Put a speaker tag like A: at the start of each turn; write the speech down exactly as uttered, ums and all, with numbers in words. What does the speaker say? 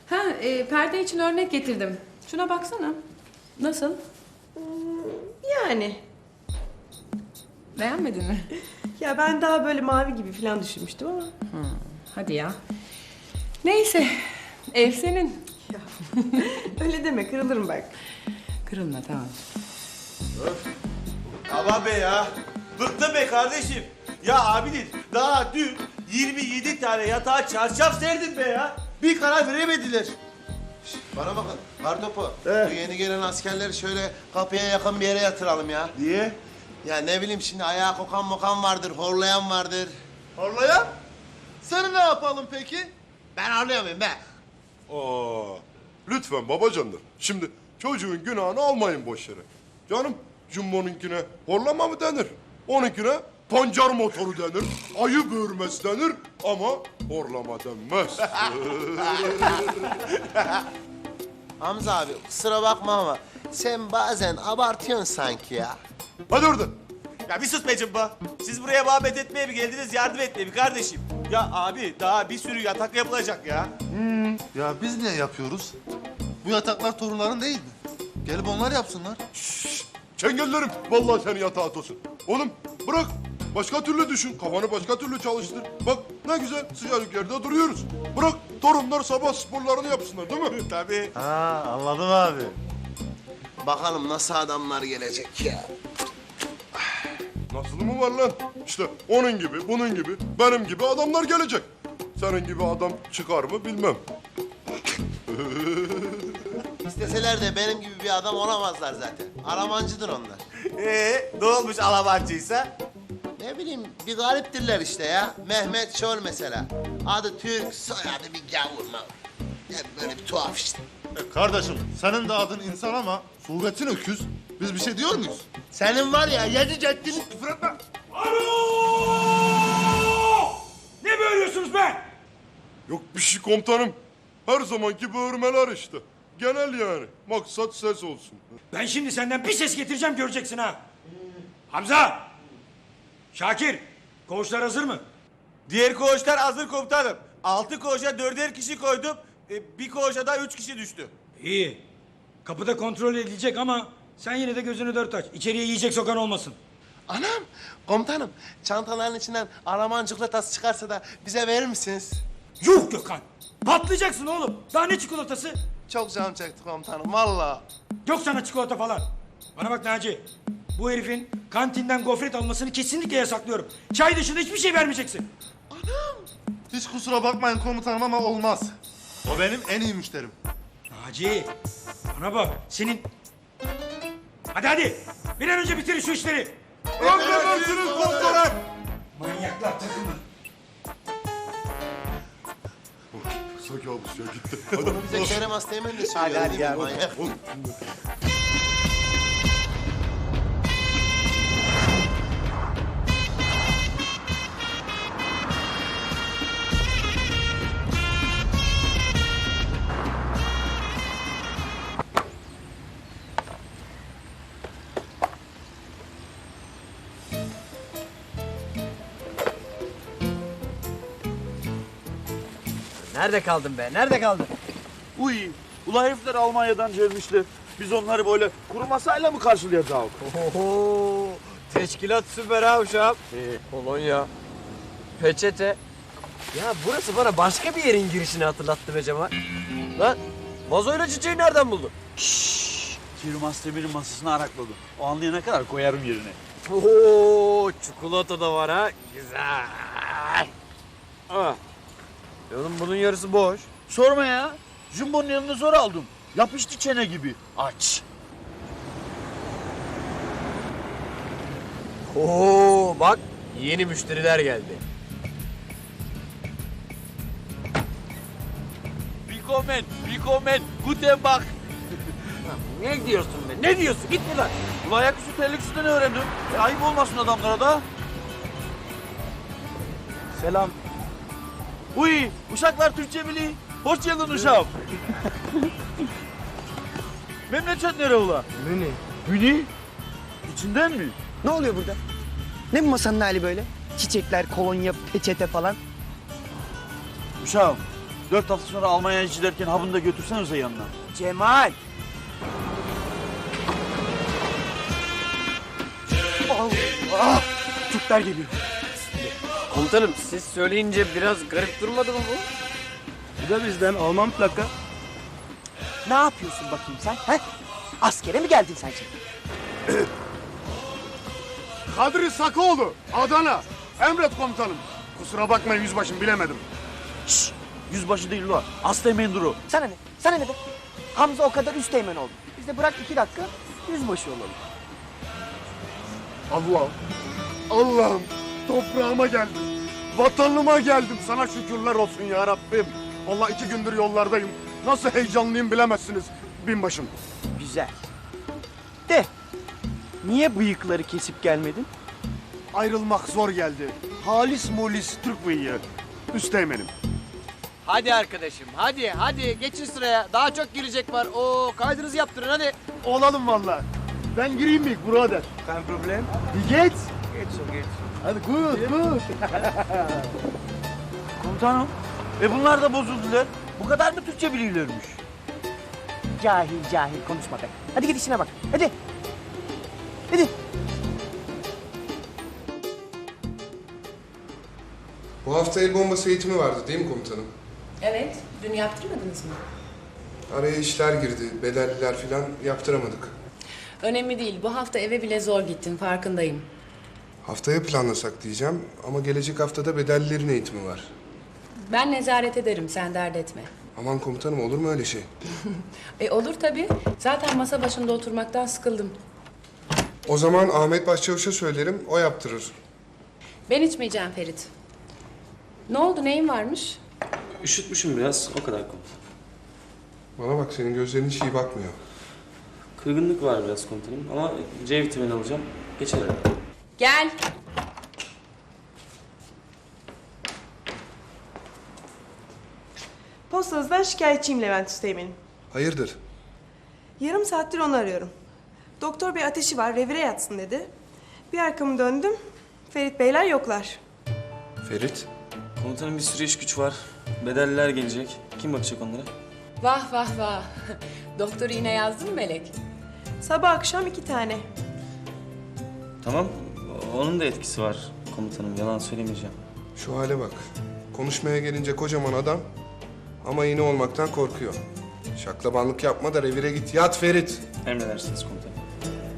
A: Ha, e, perde için örnek getirdim. Şuna baksana. Nasıl?
B: Yani.
A: Beğenmedin mi?
B: Ya ben daha böyle mavi gibi falan düşünmüştüm ama.
A: Hadi ya. Neyse, ev senin.
B: Ya. Öyle deme, kırılırım bak.
A: Kırılma, tamam.
C: Aman be ya. Bıktım be kardeşim. Ya abinin daha dün yirmi yedi tane yatağa çarşaf serdim be ya. Bir karar veremediler.
D: Bana bakın, Kartopu. Bu yeni gelen askerleri şöyle kapıya yakın bir yere yatıralım ya.
C: Niye?
D: Ya ne bileyim şimdi ayağa kokan mokan vardır, horlayan vardır.
C: Horlayan? Seni ne yapalım peki?
D: Ben horluyor muyum be?
E: Aa, lütfen babacanlar. Şimdi çocuğun günahını almayın boş yere. Canım, Jumbo'nunkine horlama mı denir? Onunkine pancar motoru denir, ayı böğürmesi denir ama horlama denmez.
D: Hamza abi kusura bakma ama sen bazen abartıyorsun sanki ya.
E: Hadi oradan.
C: Ya bir sus be cımba. Siz buraya muhabbet etmeye mi geldiniz, yardım etmeye mi kardeşim? Ya abi daha bir sürü yatak yapılacak ya.
F: Ya biz niye yapıyoruz? Bu yataklar torunların değil mi? Gelip onlar yapsınlar.
E: Çengellerim, vallahi seni yatağa atılsın. Oğlum bırak, başka türlü düşün, kafanı başka türlü çalıştır. Bak ne güzel sıcacık yerde duruyoruz. Bırak torunlar sabah sporlarını yapsınlar değil mi?
C: Tabii.
F: Ha anladım abi.
D: Bakalım nasıl adamlar gelecek ya.
E: Nasıl mı var lan? İşte onun gibi, bunun gibi, benim gibi adamlar gelecek. Senin gibi adam çıkar mı bilmem.
D: İsteseler de benim gibi bir adam olamazlar zaten. Aramancıdır onlar.
C: Ee, ne olmuş alabancıysa?
D: Ne bileyim bir gariptirler işte ya. Mehmet Şol mesela. Adı Türk, soyadı bir gavur mavur. Yani böyle bir tuhaf işte.
F: E, kardeşim senin de adın insan ama suretin öküz. Biz bir şey diyor muyuz?
D: Senin var ya yedi ceddini küfür etme.
G: Ne böğürüyorsunuz be?
E: Yok bir şey komutanım. Her zamanki böğürmeler işte. Genel yani. Maksat ses olsun.
G: Ben şimdi senden bir ses getireceğim göreceksin ha. Hamza! Şakir! Koğuşlar hazır mı?
C: Diğer koğuşlar hazır komutanım. Altı koğuşa dörder kişi koydum. E, bir koğuşa da üç kişi düştü.
G: İyi. Kapıda kontrol edilecek ama sen yine de gözünü dört aç. İçeriye yiyecek sokan olmasın.
D: Anam, komutanım çantaların içinden Alman çikolatası çıkarsa da bize verir misiniz?
G: Yuh Gökhan! Patlayacaksın oğlum. Daha ne çikolatası?
D: Çok canım çekti komutanım vallahi.
G: Yok sana çikolata falan. Bana bak Naci. Bu herifin kantinden gofret almasını kesinlikle yasaklıyorum. Çay dışında hiçbir şey vermeyeceksin.
F: Hiç kusura bakmayın komutanım ama olmaz. O benim en iyi müşterim.
G: Naci, bana bak. Senin... Hadi hadi. Bir an önce bitirin şu işleri.
E: Emredersiniz komutanım.
G: Manyaklar takımı.
E: Kısa kabus ya gitti. Hadi.
D: Bize Kerem Asteğmen de söylüyor değil mi? Manyak.
H: Nerede kaldın be? Nerede kaldın?
I: Uy, ula herifler Almanya'dan gelmişler. Biz onları böyle kuru masayla mı karşılayacağız?
H: Oho! Teşkilat süper ha uşağım. Kolonya, peçete. Ya burası bana başka bir yerin girişini hatırlattı be Cemal. Lan vazoyla çiçeği nereden buldun?
I: Firmas Demir'in masasını arakladım. O anlayana kadar koyarım yerine.
H: Oo, çikolata da var ha. Güzel. Ah. E oğlum bunun yarısı boş.
I: Sorma ya. Jumbo'nun yanında zor aldım. Yapıştı çene gibi. Aç.
H: Oo, bak yeni müşteriler geldi.
I: Willkommen, willkommen, guten Bach.
H: Ne diyorsun be? Ne diyorsun? Git buradan.
I: Ula ayaküstü terlik üstüne öğrendim. E, ayıp olmasın adamlara da. Selam. Uy, uşaklar Türkçe biliyor. Hoş geldin uşağım. Memleket nere ula?
H: Müni.
I: Müni? İçinden mi?
J: Ne oluyor burada? Ne bu masanın hali böyle? Çiçekler, kolonya, peçete falan.
I: Uşağım, Dört hafta sonra Almanya'ya giderken ha bunu da götürsenize yanına.
J: Cemal. Allah! Türkler geliyor.
H: Komutanım siz söyleyince biraz garip durmadı mı bu?
J: Bu da bizden Alman plaka. Ne yapıyorsun bakayım sen? He? Askere mi geldin sen şimdi?
E: Kadri Sakoğlu, Adana. Emret komutanım. Kusura bakmayın yüzbaşım, bilemedim.
I: Şşş! Yüzbaşı değil ulan. Asteğmen duru.
J: Sana ne? Sana ne be? Hamza o kadar üsteğmen oldu. Biz de bırak iki dakika yüzbaşı olalım.
E: Allah'ım, Allah'ım toprağıma geldim. Vatanıma geldim. Sana şükürler olsun ya Rabbim. Vallahi iki gündür yollardayım. Nasıl heyecanlıyım bilemezsiniz binbaşım.
J: Güzel. De, niye bıyıkları kesip gelmedin?
E: Ayrılmak zor geldi. Halis mulis Türk bıyığı. Üsteğmenim.
H: Hadi arkadaşım hadi hadi geçin sıraya. Daha çok girecek var. Oo kaydınızı yaptırın hadi.
E: Olalım vallahi. Ben gireyim mi birader?
J: Kein problem.
E: Bir geç.
J: Geç so geç.
E: Hadi good, good.
I: Komutanım. E bunlar da bozuldular. Bu kadar mı Türkçe biliyorlarmış?
J: Cahil cahil konuşma be. Hadi git işine bak. Hadi. Hadi.
K: Bu hafta el bombası eğitimi vardı değil mi komutanım?
A: Evet. Dün yaptırmadınız mı?
K: Araya işler girdi, bedelliler falan yaptıramadık.
A: Önemli değil. Bu hafta eve bile zor gittin. Farkındayım.
K: Haftaya planlasak diyeceğim ama gelecek haftada bedellilerin eğitimi var.
A: Ben nezaret ederim. Sen dert etme.
K: Aman komutanım olur mu öyle şey?
A: E olur tabii. Zaten masa başında oturmaktan sıkıldım.
K: O zaman Ahmet Başçavuş'a söylerim, o yaptırır.
A: Ben içmeyeceğim Ferit. Ne oldu? Neyin varmış?
L: Üşütmüşüm biraz, o kadar komutanım.
K: Bana bak senin gözlerin hiç iyi bakmıyor.
L: Kırgınlık var biraz komutanım ama C vitamini alacağım, geçer herhalde.
A: Gel.
B: Postanızdan şikayetçiyim Levent Üsteğmen'im.
K: Hayırdır?
B: Yarım saattir onu arıyorum. Doktor bey ateşi var, revire yatsın dedi. Bir arkamı döndüm, Ferit beyler yoklar.
K: Ferit?
L: Komutanım bir sürü iş güç var, bedelliler gelecek. Kim bakacak onlara?
A: Vah vah vah. Doktor iğne yazdın mı Melek?
B: Sabah akşam iki tane.
L: Tamam, onun da etkisi var komutanım, yalan söylemeyeceğim.
K: Şu hale bak. Konuşmaya gelince kocaman adam ama iğne olmaktan korkuyor. Şaklabanlık yapma da revire git. Yat Ferit.
L: Emredersiniz komutanım.